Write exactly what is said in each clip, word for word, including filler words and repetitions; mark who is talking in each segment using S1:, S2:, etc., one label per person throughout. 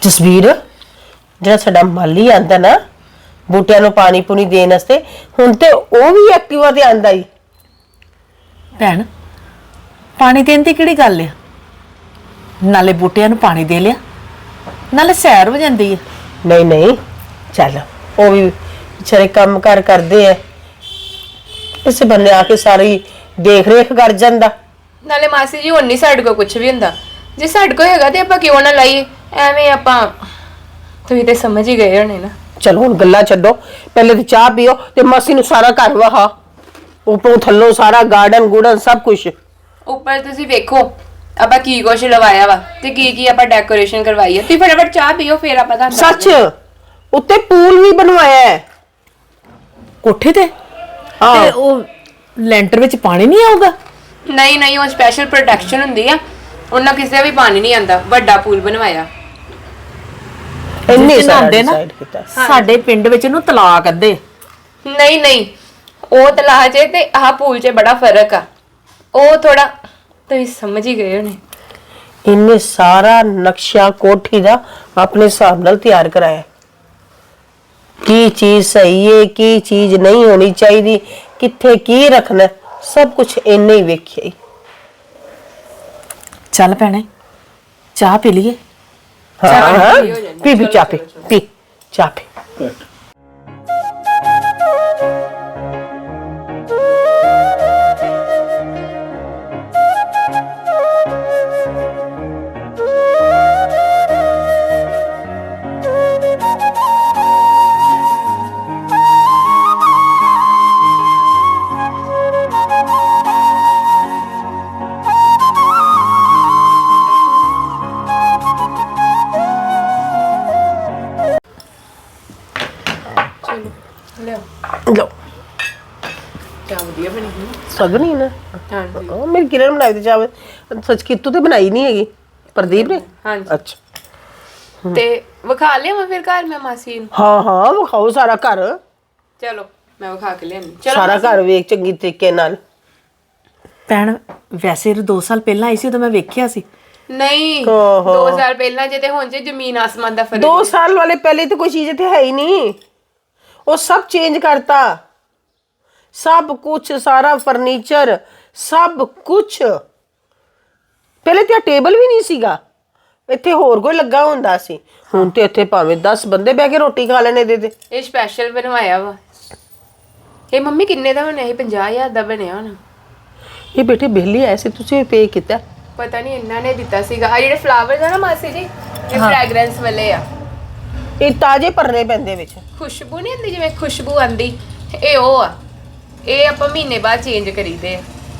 S1: ਜਸਵੀਰ ਜਿਹੜਾ ਸਾਡਾ ਮਾਲੀ ਆਂਦਾ ਨਾ ਬੂਟਿਆਂ ਨੂੰ ਪਾਣੀ ਪੂਣੀ ਦੇਣ ਵਾਸਤੇ ਹੁਣ ਤੇ ਉਹ ਵੀ ਐਕਟਿਵਾ ਤੇ ਆਂਦਾ ਹੀ।
S2: ਭੈਣ ਪਾਣੀ ਦੇਣ ਦੀ ਕਿਹੜੀ ਗੱਲ ਆ, ਨਾਲੇ ਬੂਟਿਆਂ ਨੂੰ ਪਾਣੀ ਦੇ ਲਿਆ ਨਾਲੇ ਸੈਰ ਹੋ ਜਾਂਦੀ ਹੈ।
S1: ਨਹੀਂ ਨਹੀਂ ਚੱਲ ਉਹ ਵੀ ਵਿਚਾਰੇ ਕੰਮ ਕਾਰ ਕਰਦੇ ਐ, ਇਸੇ ਬੰਨੇ ਆ ਕੇ ਸਾਰੀ ਦੇਖ ਰੇਖ ਕਰ ਜਾਂਦਾ।
S3: ਨਾਲੇ ਮਾਸੀ ਜੀ ਹੁਣ ਨਹੀਂ ਸਾਡੇ ਕੋਲ ਕੁਝ ਵੀ ਹੁੰਦਾ, ਜੇ ਸਾਡੇ ਕੋਲ ਹੈਗਾ ਤੇ ਆਪਾਂ ਕਿਉਂ ਨਾ ਲਾਈਏ, ਐਵੇਂ ਆਪਾਂ ਤੁਸੀਂ ਤੇ ਸਮਝ ਹੀ ਗਏ ਹੋਣੇ ਨਾ।
S1: ਚਲੋ ਹੁਣ ਗੱਲਾਂ ਛੱਡੋ, ਪਹਿਲੇ ਤੇ ਚਾਹ ਪੀਓ ਤੇ ਮਾਸੀ ਨੂੰ ਸਾਰਾ ਘਰ ਵਹਾ, ਉੱਪਰੋਂ ਥੱਲੋਂ ਸਾਰਾ ਗਾਰਡਨ ਗੂਡਨ ਸਭ ਕੁਝ।
S3: ਉੱਪਰ ਤੁਸੀਂ ਵੇਖੋ ਆਪਾਂ ਕੀ ਕੁਛ ਲਵਾਇਆ ਵਾ ਤੇ ਕੀ ਕੀ ਆਪਾਂ ਡੈਕੋਰੇਸ਼ਨ ਕਰਵਾਈ ਹੈ। ਤੁਸੀਂ ਫਟਾਫਟ ਚਾਹ ਪੀਓ ਫਿਰ ਆਪਾਂ ਤੁਹਾਨੂੰ
S1: ਸੱਚ ਉੱਤੇ ਪੂਲ ਵੀ ਬਣਵਾਇਆ ਹੈ
S2: ਕੋਠੇ ਤੇ।
S1: ਹਾਂ।
S2: ਤੇ ਉਹ ਲੈਂਟਰ ਵਿੱਚ ਪਾਣੀ ਨਹੀਂ ਆਊਗਾ?
S3: ਨਹੀਂ ਨਹੀਂ ਉਹ ਸਪੈਸ਼ਲ ਪ੍ਰੋਟੈਕਸ਼ਨ ਹੁੰਦੀ ਆ, ਉਹਨਾਂ ਕਿਸੇ ਵੀ ਪਾਣੀ ਨਹੀਂ ਆਂਦਾ, ਵੱਡਾ ਪੂਲ ਬਣਵਾਇਆ।
S1: ਇੰਨੇ
S2: ਜਿਸ ਚ
S1: ਸਾਰਾ
S2: ਨਹਾਉਂਦੇ ਨਾ,
S1: decide ਕੀਤਾ।
S2: ਸਾਡੇ ਪਿੰਡ ਵਿੱਚ ਇਹਨੂੰ ਤਲਾਕ ਅੱਧੇ।
S3: ਨਹੀਂ ਨਹੀਂ ਉਹ ਤਲਾਅ 'ਚ ਤੇ ਆਹ ਪੂਲ 'ਚ ਬੜਾ ਫਰਕ ਆ, ਉਹ ਥੋੜਾ ਤੁਸੀਂ ਸਮਝ ਹੀ ਗਏ ਹੋਣੇ।
S1: ਇੰਨੇ ਸਾਰਾ ਨਕਸ਼ਾ ਕੋਠੀ ਦਾ ਆਪਣੇ ਹਿਸਾਬ ਨਾਲ ਤਿਆਰ ਕਰਾਇਆ, ਕੀ ਚੀਜ਼ ਸਹੀ ਹੈ ਕੀ ਚੀਜ਼ ਨਹੀਂ ਹੋਣੀ ਚਾਹੀਦੀ, ਕਿੱਥੇ ਕੀ ਰੱਖਣਾ, ਸਭ ਕੁਝ ਇੰਨੇ ਹੀ ਵੇਖਿਆ।
S2: ਚੱਲ ਭੈਣੇ ਚਾਹ ਪੀ ਲਈਏ।
S1: ਹਾਂ ਪੀ ਪੀ ਚਾਹ ਪੀ ਪੀ ਚਾਹ ਪੀ।
S3: ਲਿਓ
S1: ਲੋ
S3: ਚਾਹ ਵਧੀਆ ਬਣੀ ਹੈ
S1: ਸਗਨੀ ਨਾ।
S3: ਹਾਂਜੀ
S1: ਉਹ ਮੇਰੀ ਕਿਰਨ ਬਣਾਈ ਤੇ ਚਾਹ ਸੱਚ ਕੀਤੂ ਤੇ ਬਣਾਈ ਨਹੀਂ ਹੈਗੀ, ਪ੍ਰਦੀਪ ਨੇ।
S3: ਹਾਂਜੀ
S1: ਅੱਛਾ
S3: ਤੇ ਵਿਖਾ ਲਿਆ ਮੈਂ ਫਿਰ ਘਰ ਮੈਂ ਮਾਸੀ ਨੂੰ।
S1: ਹਾਂ ਹਾਂ ਵਿਖਾਓ ਸਾਰਾ ਘਰ,
S3: ਚਲੋ ਮੈਂ ਵਿਖਾ ਕੇ ਲਿਆਨੀ। ਚਲੋ
S1: ਸਾਰਾ ਘਰ ਵੇਖ ਚੰਗੀ ਤਰੀਕੇ ਨਾਲ।
S2: ਭੈਣ ਵੈਸੇ ਦੋ ਸਾਲ ਪਹਿਲਾਂ ਆਈ ਸੀ ਉਦੋਂ ਮੈਂ ਵੇਖਿਆ ਸੀ।
S3: ਨਹੀਂ
S1: ਓਹੋ।
S3: ਦੋ ਸਾਲ ਪਹਿਲਾਂ ਜੇ ਤੇ ਹੁਣ ਜੇ ਜ਼ਮੀਨ ਆਸਮਾਨ ਦਾ ਫਰਕ
S1: ਦੋ ਸਾਲ ਵਾਲੇ ਪਹਿਲੇ ਤੇ ਕੋਈ ਚੀਜ਼ ਇੱਥੇ ਹੈ ਹੀ ਨਹੀਂ, ਉਹ ਸਭ ਚੇਂਜ ਕਰਤਾ, ਸਭ ਕੁਝ ਸਾਰਾ ਫਰਨੀਚਰ ਸਭ ਕੁਝ। ਪਹਿਲੇ ਤੇ ਟੇਬਲ ਵੀ ਨਹੀਂ ਸੀਗਾ ਇੱਥੇ, ਹੋਰ ਕੋਈ ਲੱਗਾ ਹੁੰਦਾ ਸੀ, ਹੁਣ ਤੇ ਇੱਥੇ ਭਾਵੇਂ ਦਸ ਬੰਦੇ ਬਹਿ ਕੇ ਰੋਟੀ ਖਾ ਲੈਣੇ ਦੇ ਦੇ।
S3: ਇਹ ਸਪੈਸ਼ਲ ਬਣਵਾਇਆ ਵਾ। ਇਹ ਮੰਮੀ ਕਿੰਨੇ ਦਾ ਬਣਿਆ? ਇਹ ਪੰਜਾਹ ਹਜ਼ਾਰ ਦਾ ਬਣਿਆ ਹੁਣ।
S1: ਇਹ ਬੇਟੇ ਬਿੱਲੀ ਐਸੇ ਤੁਸੀਂ ਪੇ ਕੀਤਾ?
S3: ਪਤਾ ਨਹੀਂ ਇਹਨਾਂ ਨੇ ਦਿੱਤਾ ਸੀਗਾ। ਆ ਜਿਹੜੇ ਫਲਾਵਰਸ ਆ ਨਾ ਮਾਸੀ ਜੀ, ਇਹ ਫ੍ਰੈਗਰੈਂਸ ਵਾਲੇ ਆ।
S1: ਇਹ ਤਾਜ਼ੇ ਭਰਨੇ ਪੈਂਦੇ ਵਿੱਚ,
S3: ਖੁਸ਼ਬੂ ਨਹੀਂ ਹੁੰਦੀ ਜਿਵੇਂ ਖੁਸ਼ਬੂ ਆਂਦੀ, ਇਹ ਉਹ ਆ। ਇਹ ਆਪਾਂ ਮਹੀਨੇ ਬਾਅਦ ਚੇਂਜ ਕਰੀਦੇ ਆ।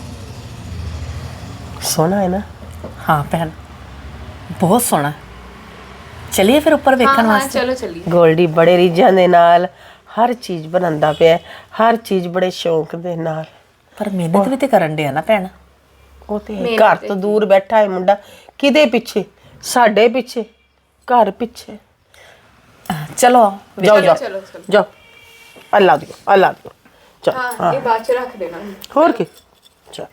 S1: ਸੋਹਣਾ ਹੈ ਨਾ।
S2: ਹਾਂ ਭੈਣ ਬਹੁਤ ਸੋਹਣਾ। ਚਲਿਏ ਫਿਰ ਉੱਪਰ ਵੇਖਣ
S3: ਹਾਂ
S2: ਵਾਸਤੇ।
S3: ਚਲੋ ਚੱਲੀਏ।
S1: ਗੋਲਡੀ ਬੜੇ ਰੀਝਾਂ ਦੇ ਨਾਲ ਹਰ ਚੀਜ਼ ਬਣਾਉਂਦਾ ਪਿਆ, ਹਰ ਚੀਜ਼ ਬੜੇ ਸ਼ੌਂਕ ਦੇ ਨਾਲ।
S2: ਪਰ ਮਿਹਨਤ ਵੀ ਤੇ ਕਰਨ ਡਿਆ ਨਾ ਭੈਣ।
S1: ਉਹ ਤੇ ਹੈ, ਘਰ ਤੋਂ ਦੂਰ ਬੈਠਾ ਹੈ ਮੁੰਡਾ, ਕਿਹਦੇ ਪਿੱਛੇ? ਸਾਡੇ ਪਿੱਛੇ, ਘਰ ਪਿੱਛੇ।
S2: ਚਲੋ
S1: ਜਾਓ ਜਾਓ
S3: ਚਲੋ ਚਲੋ।
S1: ਜਾਓ, ਅੱਲਾ ਦਿਓ ਅੱਲਾ ਦਿਓ। ਚਲ
S3: ਹਾਂ ਇਹ ਬਾਅਦ ਚ ਰੱਖ ਦੇਣਾ।
S1: ਹੋਰ ਕੀ। ਚਲ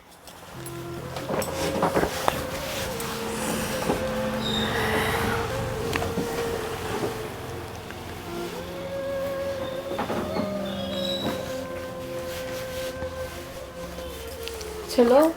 S3: ਚਲੋ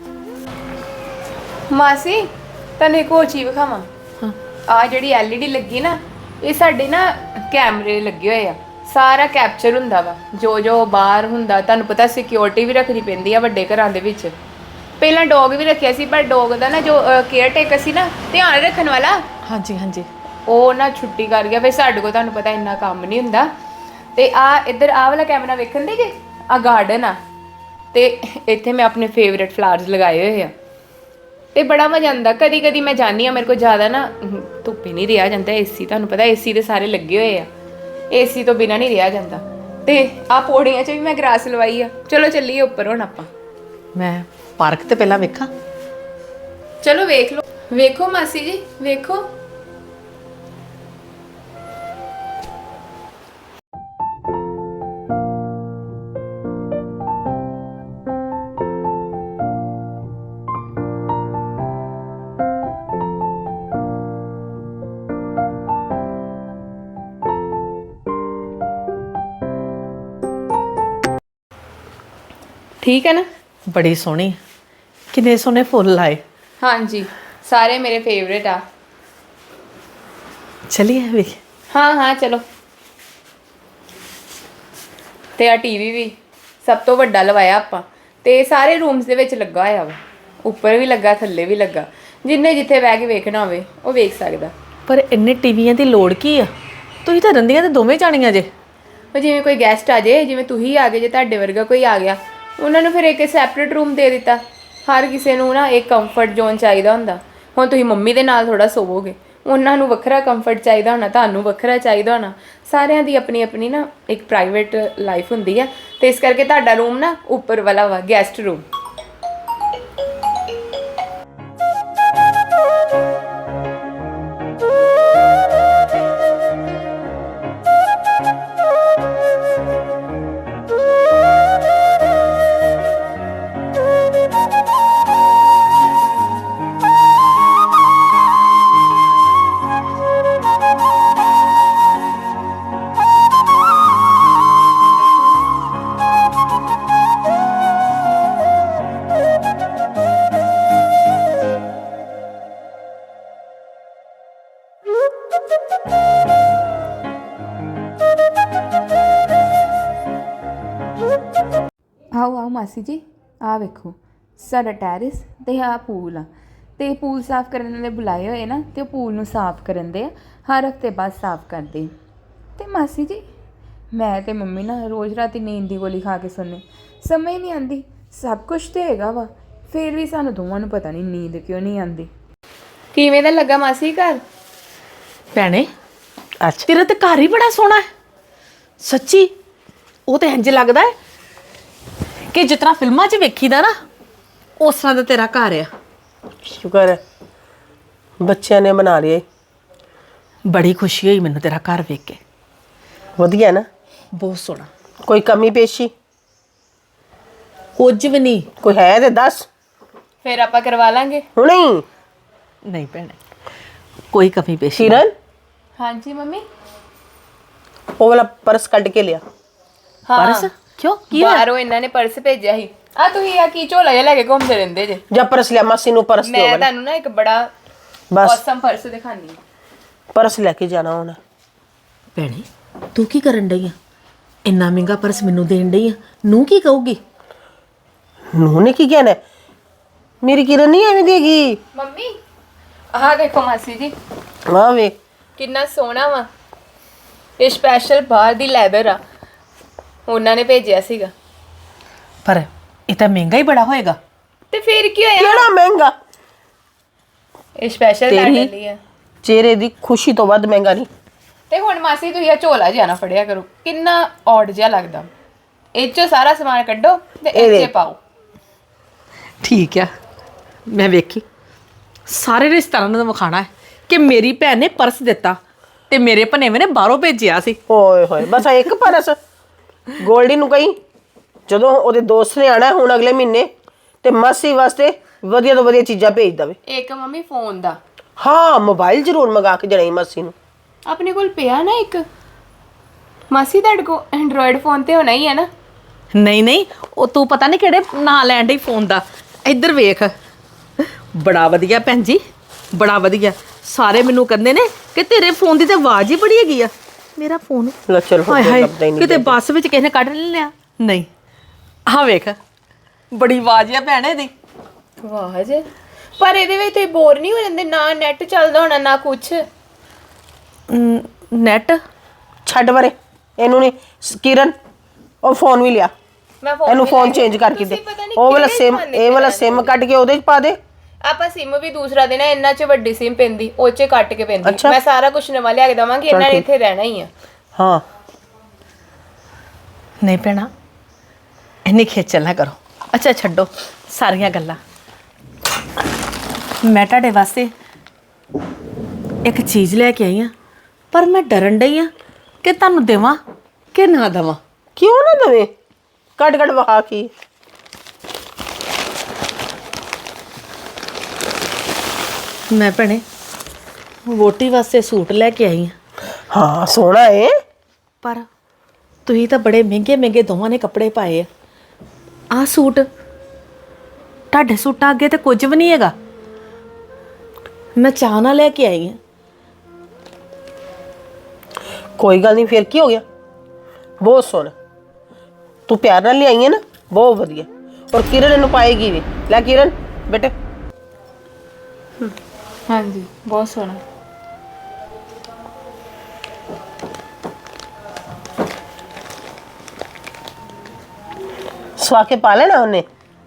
S3: ਮਾਸੀ ਤੈਨੂੰ ਇੱਕ ਹੋਰ ਚੀਜ਼ ਵਿਖਾਵਾਂ। ਆ ਜਿਹੜੀ ਐਲ ਈ ਡੀ ਲੱਗੀ ਨਾ, ਇਹ ਸਾਡੇ ਨਾ ਕੈਮਰੇ ਲੱਗੇ ਹੋਏ ਆ, ਸਾਰਾ ਕੈਪਚਰ ਹੁੰਦਾ ਵਾ ਜੋ ਜੋ ਬਾਹਰ ਹੁੰਦਾ। ਤੁਹਾਨੂੰ ਪਤਾ ਸਿਕਿਉਰਿਟੀ ਵੀ ਰੱਖਣੀ ਪੈਂਦੀ ਆ ਵੱਡੇ ਘਰਾਂ ਦੇ ਵਿੱਚ। ਪਹਿਲਾਂ ਡੌਗ ਵੀ ਰੱਖਿਆ ਸੀ, ਪਰ ਡੌਗ ਦਾ ਨਾ ਜੋ ਕੇਅਰ ਟੇਕਰ ਸੀ ਨਾ, ਧਿਆਨ ਰੱਖਣ ਵਾਲਾ,
S2: ਹਾਂਜੀ ਹਾਂਜੀ
S3: ਉਹ ਨਾ ਛੁੱਟੀ ਕਰ ਗਿਆ। ਫਿਰ ਸਾਡੇ ਕੋਲ ਤੁਹਾਨੂੰ ਪਤਾ ਇੰਨਾ ਕੰਮ ਨਹੀਂ ਹੁੰਦਾ। ਤੇ ਆ ਇੱਧਰ ਆਹ ਵਾਲਾ ਕੈਮਰਾ ਵੇਖਣ ਦੇ ਜੇ, ਆ ਗਾਰਡਨ ਆ ਤੇ ਇੱਥੇ ਮੈਂ ਆਪਣੇ ਫੇਵਰੇਟ ਫਲਾਵਰਸ ਲਗਾਏ ਹੋਏ ਆ ਤੇ ਬੜਾ ਮਜ਼ਾ ਆਉਂਦਾ। ਕਦੀ ਕਦੀ ਮੈਂ ਜਾਂਦੀ ਆ, ਮੇਰੇ ਕੋਲ ਜ਼ਿਆਦਾ ਨਾ ਧੁੱਪੇ ਨਹੀਂ ਰਿਹਾ ਜਾਂਦਾ। ਏਸੀ ਤੁਹਾਨੂੰ ਪਤਾ ਏਸੀ ਦੇ ਸਾਰੇ ਲੱਗੇ ਹੋਏ ਆ, ਏਸੀ ਤੋਂ ਬਿਨਾਂ ਨਹੀਂ ਰਿਹਾ ਜਾਂਦਾ। ਤੇ ਆ ਪੌੜੀਆਂ 'ਚ ਵੀ ਮੈਂ ਗਰਾਸ ਲਵਾਈ ਆ। ਚਲੋ ਚੱਲੀਏ ਉੱਪਰ ਹੁਣ ਆਪਾਂ।
S2: ਮੈਂ ਪਾਰਕ ਤੇ ਪਹਿਲਾਂ ਵੇਖਾਂ।
S3: ਚਲੋ ਵੇਖ ਲਓ। ਵੇਖੋ ਮਾਸੀ ਜੀ ਵੇਖੋ। ਠੀਕ ਹੈ ਨਾ?
S2: ਬੜੀ ਸੋਹਣੀ। ਕਿੰਨੇ ਸੋਹਣੇ ਫੁੱਲ ਲਾਏ।
S3: ਹਾਂਜੀ, ਸਾਰੇ ਮੇਰੇ ਫੇਵਰੇਟ ਆ।
S2: ਚਲਿਏ ਵੇਖ।
S3: ਹਾਂ ਹਾਂ ਚਲੋ। ਤੇ ਆ ਟੀਵੀ ਵੀ ਸਭ ਤੋਂ ਵੱਡਾ ਲਵਾਇਆ ਆਪਾਂ, ਤੇ ਸਾਰੇ ਰੂਮਸ ਦੇ ਵਿੱਚ ਲੱਗਾ ਹੋਇਆ ਵਾ। ਉੱਪਰ ਵੀ ਲੱਗਾ, ਥੱਲੇ ਵੀ ਲੱਗਾ। ਜਿੰਨੇ ਜਿੱਥੇ ਬਹਿ ਕੇ ਵੇਖਣਾ ਹੋਵੇ ਉਹ ਵੇਖ ਸਕਦਾ।
S2: ਪਰ ਇੰਨੇ ਟੀਵੀਆਂ ਦੀ ਲੋੜ ਕੀ ਆ? ਤੁਸੀਂ ਤਾਂ ਰੰਦੀਆਂ ਤੇ ਦੋਵੇਂ ਜਾਣੀਆਂ ਜੇ।
S3: ਉਹ ਜਿਵੇਂ ਕੋਈ ਗੈਸਟ ਆ ਜੇ, ਜਿਵੇਂ ਤੁਸੀਂ ਆ ਗਏ ਜੇ, ਤੁਹਾਡੇ ਵਰਗਾ ਕੋਈ ਆ ਗਿਆ, ਉਹਨਾਂ ਨੂੰ ਫਿਰ ਇੱਕ ਸੈਪਰੇਟ ਰੂਮ ਦੇ ਦਿੱਤਾ। ਹਰ ਕਿਸੇ ਨੂੰ ਨਾ ਇੱਕ ਕੰਫਰਟ ਜ਼ੋਨ ਚਾਹੀਦਾ ਹੁੰਦਾ। ਹੁਣ ਤੁਸੀਂ ਮੰਮੀ ਦੇ ਨਾਲ ਥੋੜਾ ਸੋਵੋਗੇ, ਉਹਨਾਂ ਨੂੰ ਵੱਖਰਾ ਕੰਫਰਟ ਚਾਹੀਦਾ ਹੋਣਾ, ਤੁਹਾਨੂੰ ਵੱਖਰਾ ਚਾਹੀਦਾ ਹੋਣਾ। ਸਾਰਿਆਂ ਦੀ ਆਪਣੀ ਆਪਣੀ ਨਾ ਇੱਕ ਪ੍ਰਾਈਵੇਟ ਲਾਈਫ ਹੁੰਦੀ ਆ, ਤੇ ਇਸ ਕਰਕੇ ਤੁਹਾਡਾ ਰੂਮ ਨਾ ਉੱਪਰ ਵਾਲਾ ਵਾ, ਗੈਸਟ ਰੂਮ। ਆਓ ਆਓ ਮਾਸੀ ਜੀ, ਆ ਵੇਖੋ ਸਾਡਾ ਟੈਰਿਸ ਤੇ ਆ ਪੂਲ ਆ। ਤੇ ਪੂਲ ਸਾਫ਼ ਕਰਨ ਵਾਲੇ ਬੁਲਾਏ ਹੋਏ ਨਾ, ਤੇ ਉਹ ਪੂਲ ਨੂੰ ਸਾਫ਼ ਕਰਨ ਦੇ ਆ। ਹਰ ਹਫ਼ਤੇ ਬਾਅਦ ਸਾਫ਼ ਕਰਦੇ। ਤੇ ਮਾਸੀ ਜੀ, ਮੈਂ ਤੇ ਮੰਮੀ ਨਾ ਰੋਜ਼ ਰਾਤੀ ਨੀਂਦ ਦੀ ਗੋਲੀ ਖਾ ਕੇ ਸੋਨੇ, ਸਮਝ ਨਹੀਂ ਆਉਂਦੀ। ਸਭ ਕੁਛ ਤੇ ਹੈਗਾ ਵਾ, ਫਿਰ ਵੀ ਸਾਨੂੰ ਦੋਵਾਂ ਨੂੰ ਪਤਾ ਨਹੀਂ ਨੀਂਦ ਕਿਉਂ ਨਹੀਂ ਆਉਂਦੀ। ਕਿਵੇਂ ਦਾ ਲੱਗਾ ਮਾਸੀ ਘਰ?
S2: ਭੈਣੇ
S1: ਅੱਛਾ,
S2: ਤੇਰਾ ਤੇ ਘਰ ਹੀ ਬੜਾ ਸੋਹਣਾ ਹੈ ਸੱਚੀ। ਉਹ ਤੇ ਇੰਜ ਲੱਗਦਾ ਹੈ ਕਿ ਜਿਸ ਤਰ੍ਹਾਂ ਫਿਲਮਾਂ 'ਚ ਵੇਖੀਦਾ ਨਾ, ਉਸ ਤਰ੍ਹਾਂ ਦਾ ਤੇਰਾ ਘਰ ਆ।
S1: ਸ਼ੁਕਰ ਹੈ ਬੱਚਿਆਂ ਨੇ ਬਣਾ ਲਿਆ।
S2: ਬੜੀ ਖੁਸ਼ੀ ਹੋਈ ਮੈਨੂੰ ਤੇਰਾ ਘਰ ਵੇਖ ਕੇ।
S1: ਵਧੀਆ ਨਾ?
S2: ਬਹੁਤ ਸੋਹਣਾ।
S1: ਕੋਈ ਕਮੀ ਪੇਸ਼ੀ
S2: ਕੁਝ ਵੀ ਨਹੀਂ।
S1: ਕੋਈ ਹੈ ਤੇ ਦੱਸ,
S3: ਫਿਰ ਆਪਾਂ ਕਰਵਾ ਲਾਂਗੇ।
S1: ਹੁਣੇ ਹੀ।
S2: ਨਹੀਂ ਭੈਣੇ, ਕੋਈ ਕਮੀ ਪੇਸ਼ੀ
S1: ਕਿਰਨ,
S3: ਹਾਂਜੀ ਮੰਮੀ।
S1: ਉਹ ਵਾਲਾ ਪਰਸ ਕੱਢ ਕੇ ਲਿਆ।
S2: ਪਰਸ ਕਿਉਂ? ਕੀ ਹੋਇਆ?
S3: ਬਾਹਰੋਂ ਇਹਨਾਂ ਨੇ ਪਰਸ ਭੇਜਿਆ ਸੀ। ਆ ਤੁਸੀਂ ਆ ਕੀ ਝੋਲਾ ਜਿਹਾ ਲੈ ਕੇ ਘੁੰਮਦੇ ਰਹਿੰਦੇ ਜੇ?
S1: ਜਾਂ ਪਰਸ ਲਿਆ, ਮਾਸੀ ਨੂੰ ਪਰਸ ਦਿਓ।
S3: ਮੈਂ ਤੁਹਾਨੂੰ ਨਾ ਇੱਕ ਬੜਾ
S1: ਬਸ
S3: ਔਸਮ ਪਰਸ ਦਿਖਾਣੀ।
S1: ਪਰਸ ਲੈ ਕੇ ਜਾਣਾ ਹੁਣ।
S2: ਭੈਣੇ ਤੂੰ ਕੀ ਕਰਨ ਡਈ ਆ? ਇੰਨਾ ਮਹਿੰਗਾ ਪਰਸ ਮੈਨੂੰ ਦੇਣ ਡਈ ਆ, ਨੂੰ ਕੀ ਕਹੂਗੀ?
S1: ਨੂੰ ਨੇ ਕੀ ਕਹਿਣਾ? ਮੇਰੀ ਕਿਰਨ ਨਹੀਂ ਐਵੇਂ ਦੇਗੀ।
S3: ਮੰਮੀ ਆਹ ਦੇਖੋ ਮਾਸੀ ਜੀ,
S1: ਵਾਹ ਵੇ,
S3: ਕਿੰਨਾ ਸੋਹਣਾ ਵਾ। ਇਹ ਸਪੈਸ਼ਲ ਬਾਹਰ ਦੀ ਲੈਦਰ ਆ, ਉਹਨਾਂ ਨੇ ਭੇਜਿਆ ਸੀਗਾ।
S2: ਪਰ ਇਹ ਤਾਂ ਮਹਿੰਗਾ ਹੀ ਬੜਾ ਹੋਏਗਾ।
S3: ਤੇ ਫਿਰ ਕੀ ਹੋਇਆ?
S1: ਕਿਹੜਾ ਮਹਿੰਗਾ?
S3: ਇਹ ਸਪੈਸ਼ਲ
S1: ਤੇਰੀ
S3: ਲੈਦਰ ਲਈ ਆ।
S1: ਚਿਹਰੇ ਦੀ ਖੁਸ਼ੀ ਤੋਂ ਵੱਧ ਮਹਿੰਗਾ ਨਹੀਂ।
S3: ਤੇ ਹੁਣ ਮਾਸੀ ਤੁਸੀਂ ਆ ਝੋਲਾ ਜਿਹਾ ਨਾ ਫੜਿਆ ਕਰੋ, ਕਿੰਨਾ ਔਡ ਜਿਹਾ ਲੱਗਦਾ। ਇਹ ਚੋਂ ਸਾਰਾ ਸਮਾਨ ਕੱਢੋ ਤੇ ਇਹ 'ਚ
S1: ਇਹਦੇ।
S3: ਪਾਓ।
S2: ਠੀਕ ਆ, ਮੈਂ ਵੇਖੀ ਸਾਰੇ ਰਿਸ਼ਤੇਦਾਰਾਂ ਨੂੰ ਵਿਖਾਣਾ ਹੈ ਕਿ ਮੇਰੀ ਭੈਣ ਨੇ ਪਰਸ ਦਿੱਤਾ ਤੇ ਮੇਰੇ ਭਨੇਵੇਂ ਨੇ ਬਾਹਰੋਂ ਭੇਜਿਆ ਸੀ।
S1: ਓਏ ਹੋਏ, ਬਸ ਆਹ ਇੱਕ ਪਰਸ। ਗੋਲਡੀ ਨੂੰ ਕਹੀਂ ਜਦੋਂ ਉਹਦੇ ਦੋਸਤ ਨੇ ਆਣਾ ਹੁਣ ਅਗਲੇ ਮਹੀਨੇ, ਤੇ ਮਾਸੀ ਵਾਸਤੇ ਵਧੀਆ ਤੋਂ ਵਧੀਆ ਚੀਜ਼ਾਂ ਭੇਜ ਦਵੇ।
S3: ਇੱਕ ਮੰਮੀ ਫੋਨ ਦਾ।
S1: ਹਾਂ, ਮੋਬਾਈਲ ਜ਼ਰੂਰ ਮੰਗਾ ਕੇ ਦੇਣਾ ਮਾਸੀ ਨੂੰ।
S3: ਆਪਣੇ ਕੋਲ ਪਿਆ ਨਾ ਇੱਕ? ਮਾਸੀ ਤੁਹਾਡੇ ਕੋਲ ਐਂਡਰੋਇਡ ਫੋਨ ਤੇ ਹੋਣਾ ਹੀ ਹੈ ਨਾ?
S2: ਨਹੀਂ ਨਹੀਂ, ਉਹ ਤੂੰ ਪਤਾ ਨਹੀਂ ਕਿਹੜੇ ਨਾਂ ਲੈਣ ਡਈ ਫੋਨ ਦਾ। ਇੱਧਰ ਵੇਖ, ਬੜਾ ਵਧੀਆ ਭੈਣ ਜੀ, ਬੜਾ ਵਧੀਆ। ਸਾਰੇ ਮੈਨੂੰ ਕਹਿੰਦੇ ਨੇ ਕਿ ਤੇਰੇ ਫੋਨ ਦੀ ਤਾਂ ਆਵਾਜ਼ ਹੀ ਬੜੀ ਹੈਗੀ ਆ। ਮੇਰਾ ਫੋਨ
S1: ਲੈ ਚਲ
S2: ਹਾਏ
S1: ਹੁਣ
S2: ਹਾਏ,
S1: ਲੱਭਦਾ ਹੀ ਨਹੀਂ।
S2: ਕਿਤੇ ਬੱਸ ਵਿੱਚ ਕਿਸੇ ਨੇ ਕੱਢ ਨਹੀਂ ਲਿਆ? ਨਹੀਂ, ਆਹ ਵੇਖ, ਬੜੀ ਆਵਾਜ਼ ਆ ਭੈਣ ਇਹਦੀ।
S3: ਵਾਹ ਜੇ, ਪਰ ਇਹਦੇ ਵਿੱਚ ਤੁਸੀਂ ਬੋਰ ਨਹੀਂ ਹੋ ਜਾਂਦੇ? ਨਾ ਨੈਟ ਚੱਲਦਾ ਹੋਣਾ ਨਾ ਕੁਛ।
S2: ਨੈਟ
S1: ਛੱਡ ਵਰੇ ਇਹਨੂੰ। ਨਹੀਂ ਕਿਰਨ, ਉਹ ਫੋਨ ਵੀ ਲਿਆ,
S3: ਮੈਂ
S1: ਇਹਨੂੰ
S3: ਵੀ
S1: ਫੋਨ
S3: ਲੈ
S1: ਚੇਂਜ
S3: ਕੇ-
S1: ਕਰਕੇ ਦੇ।
S3: ਤੁਸੀਂ ਪਤਾ ਨੀ
S1: ਉਹ ਵਾਲਾ
S3: ਕਿਹੜੇ
S1: ਸਿਮ,
S3: ਜ਼ਮਾਨੇ
S1: ਇਹ ਵਾਲਾ
S3: ਚ
S1: ਸਿਮ ਕੱਢ ਕੇ ਉਹਦੇ ਚ ਪਾ ਦੇ।
S3: ਆਪਾਂ ਸਿਮ ਵੀ ਦੂਸਰਾ ਦੇਣਾ, ਇੰਨਾ ਚ ਵੱਡੀ ਸਿਮ ਪੈਂਦੀ, ਉਹ ਚ ਕੱਟ ਕੇ ਪੈਂਦੀ।
S1: ਅੱਛਾ।
S3: ਮੈਂ ਸਾਰਾ ਕੁਝ ਨਵਾਂ ਲਿਆ ਕੇ ਦਵਾਂਗੀ, ਇਹਨਾਂ ਨੇ ਇੱਥੇ ਰਹਿਣਾ ਹੀ ਆ।
S1: ਹਾਂ,
S2: ਨਹੀਂ ਭੈਣਾ, ਇੰਨੀ ਖੇਚਲ ਨਾ ਕਰੋ। ਅੱਛਾ ਛੱਡੋ ਸਾਰੀਆਂ ਗੱਲਾਂ। ਮੈਂ ਤੁਹਾਡੇ ਵਾਸਤੇ ਇੱਕ ਚੀਜ਼ ਲੈ ਕੇ ਆਈ ਆ, ਪਰ ਮੈਂ ਡਰਨ ਡਈ ਆ ਕਿ ਤੁਹਾਨੂੰ ਦੇਵਾਂ ਕਿ ਨਾ ਦੇਵਾਂ।
S1: ਕਿਉਂ ਨਾ ਦਵੇ? ਕੱਢ ਕੱਢ ਵਹਾ ਕੀ।
S2: ਮੈਂ ਭੈਣੇ ਵੋਟੀ ਵਾਸਤੇ ਸੂਟ ਲੈ ਕੇ ਆਈ ਆ।
S1: ਹਾਂ, ਸੋਹਣਾ ਏ।
S2: ਪਰ ਤੁਸੀਂ ਤਾਂ ਬੜੇ ਮਹਿੰਗੇ ਮਹਿੰਗੇ ਦੋਵਾਂ ਨੇ ਕੱਪੜੇ ਪਾਏ ਆ। ਆਹ ਸੂਟ ਤੁਹਾਡੇ ਸੂਟਾਂ ਅੱਗੇ ਤੇ ਕੁਝ ਵੀ ਨਹੀਂ ਹੈਗਾ। ਮੈਂ ਚਾਹ ਨਾਲ ਲੈ ਕੇ ਆਈ ਹਾਂ।
S1: ਕੋਈ ਗੱਲ ਨਹੀਂ, ਫਿਰ ਕੀ ਹੋ ਗਿਆ? ਬਹੁਤ ਸੋਹਣਾ, ਤੂੰ ਪਿਆਰ ਨਾਲ ਲਿਆਈ ਹੈ ਨਾ, ਬਹੁਤ ਵਧੀਆ। ਔਰ ਕਿਰਨ ਇਹਨੂੰ ਪਾਏਗੀ ਵੀ। ਲੈ ਕਿਰਨ ਬੇਟੇ,
S3: ਹਾਂਜੀ ਬਹੁਤ ਸੋਹਣਾ।
S1: ਸਵਾ ਕੇ ਪਾ ਲੈਣਾ ਉਹਨੇ।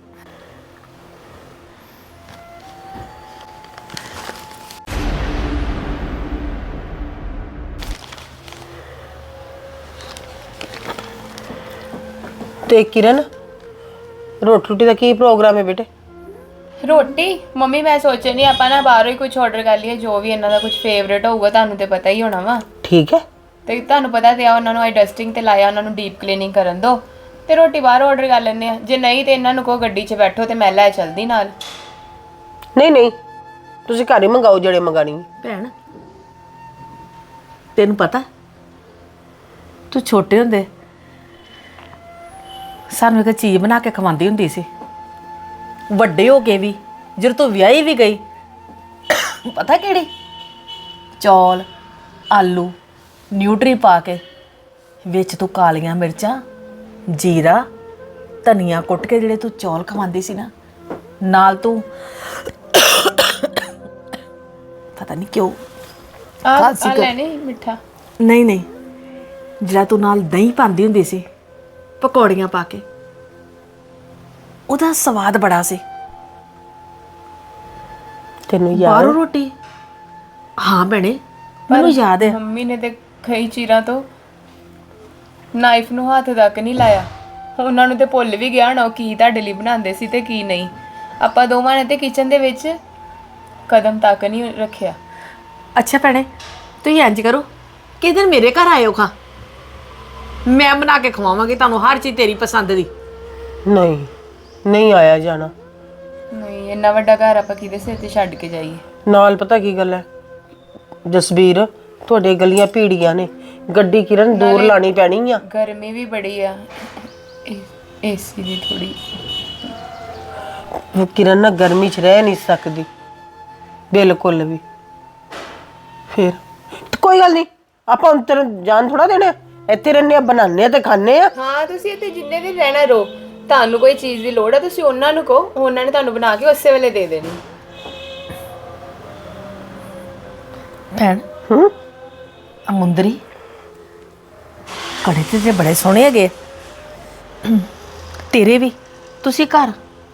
S1: ਤੇ ਕਿਰਨ, ਰੋਟੀ ਰੋਟੀ ਦਾ ਕੀ ਪ੍ਰੋਗਰਾਮ ਹੈ ਬੇਟੇ?
S3: ਰੋਟੀ ਮੰਮੀ ਮੈਂ ਸੋਚਿਆ ਆਪਾਂ ਨਾ ਬਾਹਰੋਂ ਹੀ ਕੁਝ ਆਰਡਰ ਕਰ ਲਈਏ, ਜੋ ਵੀ ਇਹਨਾਂ ਦਾ ਕੁਝ ਫੇਵਰੇਟ ਹੋਊਗਾ। ਤੁਹਾਨੂੰ ਤੇ ਪਤਾ ਹੀ ਹੋਣਾ ਵਾ।
S1: ਠੀਕ ਹੈ।
S3: ਤੇ ਤੁਹਾਨੂੰ ਪਤਾ ਤੇ ਆ, ਉਹਨਾਂ ਨੂੰ ਆਈ ਡਸਟਿੰਗ ਤੇ ਲਾਇਆ, ਉਹਨਾਂ ਨੂੰ ਡੀਪ ਕਲੀਨਿੰਗ ਕਰਨ ਦੋ, ਤੇ ਰੋਟੀ ਬਾਹਰੋਂ ਆਰਡਰ ਕਰ ਲੈਂਦੇ ਆ। ਜੇ ਨਹੀਂ ਤੇ ਇਹਨਾਂ ਨੂੰ ਕਹੋ ਗੱਡੀ 'ਚ ਬੈਠੋ ਤੇ ਮੈਂ ਲੈ ਚਲਦੀ ਨਾਲ।
S1: ਨਹੀਂ ਨਹੀਂ, ਤੁਸੀਂ ਘਰ ਹੀ ਮੰਗਾਓ ਜਿਹੜੇ ਮੰਗਾਣੀ ਹੈ।
S2: ਭੈਣ ਤੈਨੂੰ ਪਤਾ, ਤੂੰ ਛੋਟੇ ਹੁੰਦੇ ਸਾਨੂੰ ਇੱਕ ਚੀਜ਼ ਬਣਾ ਕੇ ਖਵਾਉਂਦੀ ਹੁੰਦੀ ਸੀ। ਵੱਡੇ ਹੋ ਕੇ ਵੀ ਜਦੋਂ ਤੂੰ ਵਿਆਹੀ ਵੀ ਗਈ, ਪਤਾ ਕਿਹੜੀ? ਚੌਲ, ਆਲੂ, ਨਿਊਟਰੀ ਪਾ ਕੇ ਵਿੱਚ ਤੂੰ ਕਾਲੀਆਂ ਮਿਰਚਾਂ, ਜੀਰਾ, ਧਨੀਆ ਕੁੱਟ ਕੇ ਜਿਹੜੇ ਤੂੰ ਚੌਲ ਖਵਾਉਂਦੀ ਸੀ ਨਾ, ਨਾਲ ਤੂੰ ਪਤਾ ਨਹੀਂ ਕਿਉਂ
S3: ਆ
S2: ਖਾਂਸੀ
S3: ਆ
S2: ਕਰ-
S3: ਲੈਣੀ ਮਿੱਠਾ।
S2: ਨਹੀਂ ਨਹੀਂ, ਜਿਹੜਾ ਤੂੰ ਨਾਲ ਦਹੀਂ ਪਾਉਂਦੀ ਹੁੰਦੀ ਸੀ ਪਕੌੜੀਆਂ ਪਾ ਕੇ, ਉਹਦਾ ਸਵਾਦ ਬੜਾ ਸੀ।
S1: ਤੈਨੂੰ
S2: ਬਾਹਰੋਂ
S1: ਯਾਦ?
S2: ਰੋਟੀ, ਹਾਂ ਭੈਣੇ ਮੈਨੂੰ ਯਾਦ ਹੈ।
S3: ਮੰਮੀ ਨੇ ਤੇ ਕਈ ਚੀਰਾਂ ਤੋਂ ਨਾਈਫ ਨੂੰ ਹੱਥ ਤੱਕ ਨਹੀਂ ਲਾਇਆ। ਉਹਨਾਂ ਨੂੰ ਤੇ ਭੁੱਲ ਵੀ ਗਿਆ ਨਾ ਉਹ ਕੀ ਤੁਹਾਡੇ ਲਈ ਬਣਾਉਂਦੇ ਸੀ ਤੇ ਕੀ ਨਹੀਂ। ਆਪਾਂ ਦੋਵਾਂ ਨੇ ਤੇ ਕਿਚਨ ਦੇ ਵਿੱਚ ਕਦਮ ਤੱਕ ਨਹੀਂ ਰੱਖਿਆ।
S2: ਅੱਛਾ ਭੈਣੇ, ਤੁਸੀਂ ਇੰਜ ਕਰੋ ਕਿ ਦਿਨ ਮੇਰੇ ਘਰ ਆਇਓ ਖਾ, ਮੈਂ ਬਣਾ ਕੇ ਖਵਾਵਾਂਗੀ ਤੁਹਾਨੂੰ ਹਰ ਚੀਜ਼ ਤੇਰੀ ਪਸੰਦ ਦੀ।
S1: ਨਹੀਂ ਨਹੀਂ ਆਇਆ ਜਾਣਾ।
S3: ਨਹੀਂ ਇੰਨਾ ਵੱਡਾ ਘਰ ਆਪਾਂ ਕਿਹਦੇ ਸਿਰ ਤੇ ਛੱਡ ਕੇ ਜਾਈਏ?
S1: ਨਾਲ ਪਤਾ ਕੀ ਗੱਲ ਹੈ ਜਸਬੀਰ, ਤੁਹਾਡੇ ਗਲੀਆਂ ਭੀੜੀਆਂ ਨੇ, ਗੱਡੀ ਕਿਰਨ ਦੂਰ ਲਾਣੀ ਪੈਣੀ ਆ।
S3: ਗਰਮੀ ਵੀ ਬੜੀ ਆ, ਏਸੀ ਦੀ ਥੋੜੀ।
S1: ਉਹ ਕਿਰਨ ਨਾ ਗਰਮੀ 'ਚ ਰਹਿ ਨਹੀਂ ਸਕਦੀ ਬਿਲਕੁਲ ਵੀ। ਫਿਰ ਤੇ ਕੋਈ ਗੱਲ ਨਹੀਂ, ਆਪਾਂ ਹੁਣ ਤੈਨੂੰ ਜਾਨ ਥੋੜਾ ਦੇਣਾ, ਇੱਥੇ ਰਹਿੰਦੇ ਆ, ਬਣਾਉਂਦੇ ਆ ਤੇ ਖਾਂਦੇ ਆ।
S3: ਹਾਂ ਤੁਸੀਂ ਇੱਥੇ ਜਿੰਨੇ ਦਿਨ ਰਹਿਣਾ ਰਹੋ। ਤੁਹਾਨੂੰ ਕੋਈ ਚੀਜ਼ ਦੀ ਲੋੜ ਹੈ ਤੁਸੀਂ ਉਹਨਾਂ ਨੂੰ ਕਹੋ, ਉਹਨਾਂ ਨੇ ਤੁਹਾਨੂੰ ਬਣਾ ਕੇ ਉਸੇ ਵੇਲੇ ਦੇ ਦੇਣੀ।
S2: ਭੈਣ
S1: ਹੂੰ,
S2: ਆ ਮੁੰਦਰੀ ਕੜੇ ਤੇ ਤੇ ਬੜੇ ਸੋਹਣੇ ਹੈਗੇ ਤੇਰੇ ਵੀ। ਤੁਸੀਂ ਘਰ,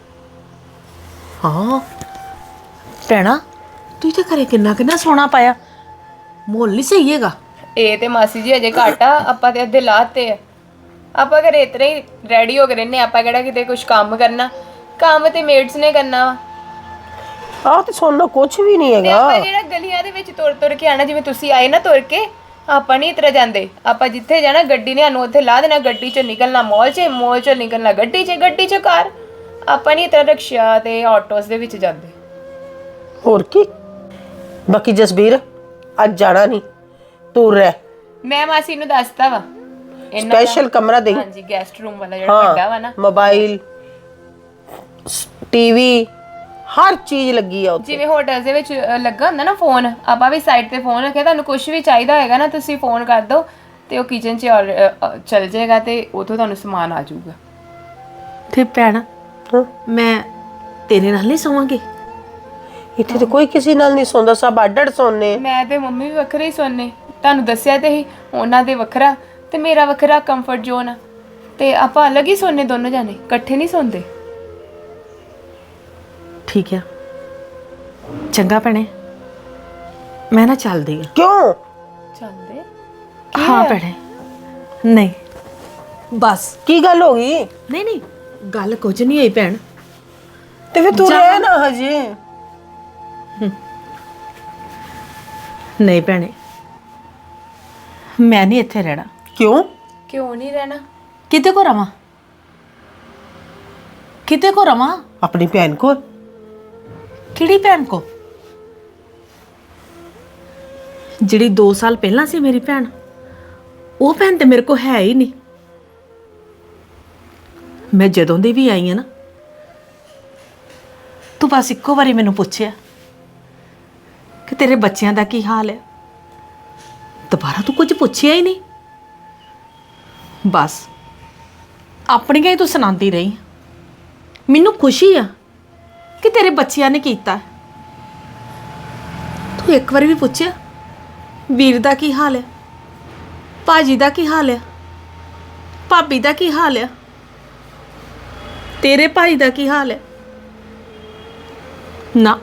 S2: ਹਾਂ ਭੈਣਾ ਤੂੰ ਤੇ ਘਰੇ ਕਿੰਨਾ ਕਿੰਨਾ ਸੋਨਾ ਪਾਇਆ, ਮੁੱਲ ਨਹੀਂ ਸਹੀ ਹੈਗਾ।
S3: ਇਹ ਤੇ ਮਾਸੀ ਜੀ ਅਜੇ ਘੱਟ ਆ, ਆਪਾਂ ਤੇ ਅੱਧੇ ਲਾਤੇ ਆ। ਆਪਾਂ ਘਰੇ ਇਤਨੇ ਹੀ ਰੈਡੀ ਹੋ ਕੇ ਰਹਿੰਦੇ, ਆਪਾਂ ਕਿਹੜਾ ਕਿਤੇ ਕੁਝ ਕੰਮ ਕਰਨਾ। ਕੰਮ ਤੇ ਮੇਡਸ ਨੇ ਕਰਨਾ ਵਾ।
S1: ਆਹ ਤੇ ਸੋਨਾ ਕੁਝ ਵੀ ਨਹੀਂ
S3: ਤੇ ਆਪਾਂ
S1: ਹੈਗਾ।
S3: ਜਿਹੜਾ ਗਲੀਆਂ ਦੇ ਵਿੱਚ ਤੁਰ ਤੁਰ ਕੇ ਆਣਾ, ਜਿਵੇਂ ਤੁਸੀਂ ਆਏ ਨਾ ਤੁਰ ਕੇ, ਆਪਾਂ ਨਹੀਂ ਇਤਰਾ ਜਾਂਦੇ। ਆਪਾਂ ਜਿੱਥੇ ਜਾਣਾ ਗੱਡੀ ਨੇ ਸਾਨੂੰ ਉੱਥੇ ਲਾ ਦੇਣਾ, ਗੱਡੀ 'ਚੋਂ ਨਿਕਲਣਾ ਮੌਲ 'ਚ, ਮੌਲ 'ਚੋਂ ਨਿਕਲਣਾ ਗੱਡੀ 'ਚ, ਗੱਡੀ 'ਚੋਂ ਘਰ। ਆਪਾਂ ਨਹੀਂ ਇਤਰਾ ਰਿਕਸ਼ਾ ਤੇ ਆਟੋਸ ਦੇ ਵਿੱਚ ਜਾਂਦੇ।
S1: ਹੋਰ ਕੀ। ਬਾਕੀ ਜਸਬੀਰ ਅੱਜ ਜਾਣਾ ਨਹੀਂ, ਤੂੰ ਰਹਿ।
S3: ਮੈਂ ਮਾਸੀ ਨੂੰ ਦੱਸਤਾ ਵਾ ਇਹਨਾਂ ਦਾ-
S1: ਸਪੈਸ਼ਲ ਕਮਰਾ ਦੇ।
S3: ਹਾਂਜੀ ਗੈਸਟ ਰੂਮ ਵਾਲਾ ਜਿਹੜਾ ਵੱਡਾ ਵਾ ਨਾ,
S1: ਮੋਬਾਈਲ, ਟੀਵੀ, ਹਰ ਚੀਜ਼ ਲੱਗੀ ਆ ਉੱਥੇ।
S3: ਜਿਵੇਂ ਹੋਟਲ ਦੇ ਵਿੱਚ ਅ, ਲੱਗਾ ਹੁੰਦਾ ਨਾ ਫੋਨ, ਆਪਾਂ ਵੀ ਸਾਈਡ ਤੇ ਫੋਨ ਰੱਖਿਆ। ਤੁਹਾਨੂੰ ਕੁਝ ਵੀ ਚਾਹੀਦਾ ਹੋਏਗਾ ਨਾ, ਤੁਸੀਂ ਫੋਨ ਕਰ ਦਿਓ ਤੇ ਉਹ ਕਿਚਨ 'ਚ ਔਰ- ਅ, ਅ, ਚੱਲ ਜਾਏਗਾ ਤੇ ਉਥੋਂ ਤੁਹਾਨੂੰ ਸਮਾਨ ਆ ਜਾਊਗਾ।
S2: ਤੇ ਭੈਣ
S1: ਹਾਂ,
S2: ਮੈਂ ਤੇਰੇ ਨਾਲ ਨਹੀਂ ਸੋਵਾਂਗੀ।
S1: ਇੱਥੇ ਤੇ ਕੋਈ ਕਿਸੇ ਨਾਲ ਨਹੀਂ ਸੌਂਦਾ, ਸਭ ਅੱਡ-ਅੱਡ ਸੌਂਦੇ।
S3: ਮੈਂ ਤੇ ਮੰਮੀ ਵੀ ਵੱਖਰੇ ਹੀ ਸੋਨੇ। ਤੁਹਾਨੂੰ ਦੱਸਿਆ ਤੇ ਹੀ, ਉਹਨਾਂ ਦੇ ਵੱਖਰਾ ਤੇ ਮੇਰਾ ਵੱਖਰਾ ਕੰਫਰਟ ਜ਼ੋਨ ਆ, ਤੇ ਆਪਾਂ ਅਲੱਗ ਹੀ ਸੋਨੇ ਦੋਨੋਂ ਜਾਣੇ, ਇਕੱਠੇ ਨਹੀਂ ਸੌਂਦੇ।
S2: ਠੀਕ ਹੈ ਚੰਗਾ ਭੈਣੇ, ਮੈਂ ਨਾ ਚੱਲਦੀ ਆ।
S1: ਕਿਉਂ?
S3: ਚੱਲਦੇ
S2: ਹਾਂ ਭੈਣੇ, ਨਹੀਂ ਬਸ।
S1: ਕੀ ਗੱਲ ਹੋ ਗਈ?
S2: ਨਹੀਂ ਨਹੀਂ ਗੱਲ ਕੁਝ ਨਹੀਂ ਹੋਈ ਭੈਣ।
S1: ਤੇ ਫਿਰ ਤੂੰ ਰਹਿ ਨਾ ਹਜੇ।
S2: ਨਹੀਂ ਭੈਣੇ, ਮੈਂ ਨਹੀਂ ਇੱਥੇ ਰਹਿਣਾ।
S1: ਕਿਉਂ?
S3: ਕਿਉਂ ਨਹੀਂ ਰਹਿਣਾ?
S2: ਕਿਤੇ ਕੋ ਰਵਾਂ, ਕਿਤੇ ਕੋ ਰਵਾਂ?
S1: ਆਪਣੀ ਭੈਣ ਕੋਲ।
S2: ਕਿਹੜੀ ਭੈਣ ਕੋ? ਜਿਹੜੀ ਦੋ ਸਾਲ ਪਹਿਲਾਂ ਸੀ ਮੇਰੀ ਭੈਣ, ਉਹ ਭੈਣ ਤੇ ਮੇਰੇ ਕੋ ਹੈ ਹੀ ਨਹੀਂ। ਮੈਂ ਜਦੋਂ ਦੀ ਵੀ ਆਈ ਆ ਨਾ, ਤੂੰ ਬਸ ਇੱਕੋ ਵਾਰੀ ਮੈਨੂੰ ਪੁੱਛਿਆ ਕਿ ਤੇਰੇ ਬੱਚਿਆਂ ਦਾ ਕੀ ਹਾਲ ਹੈ। ਦੁਬਾਰਾ ਤੂੰ ਕੁਝ ਪੁੱਛਿਆ ਹੀ ਨਹੀਂ। ਬਸ ਆਪਣੀਆਂ ਹੀ ਤੂੰ ਸੁਣਾਉਂਦੀ ਰਹੀ। ਮੈਨੂੰ ਖੁਸ਼ੀ ਆ ਕਿ ਤੇਰੇ ਬੱਚਿਆਂ ਨੇ ਕੀਤਾ। ਤੂੰ ਇੱਕ ਵਾਰੀ ਵੀ ਪੁੱਛਿਆ ਵੀਰ ਦਾ ਕੀ ਹਾਲ ਹੈ, ਭਾਜੀ ਦਾ ਕੀ ਹਾਲ ਹੈ, ਭਾਬੀ ਦਾ ਕੀ ਹਾਲ ਹੈ, ਤੇਰੇ ਭਾਈ ਦਾ ਕੀ ਹਾਲ ਹੈ? ਨਾ,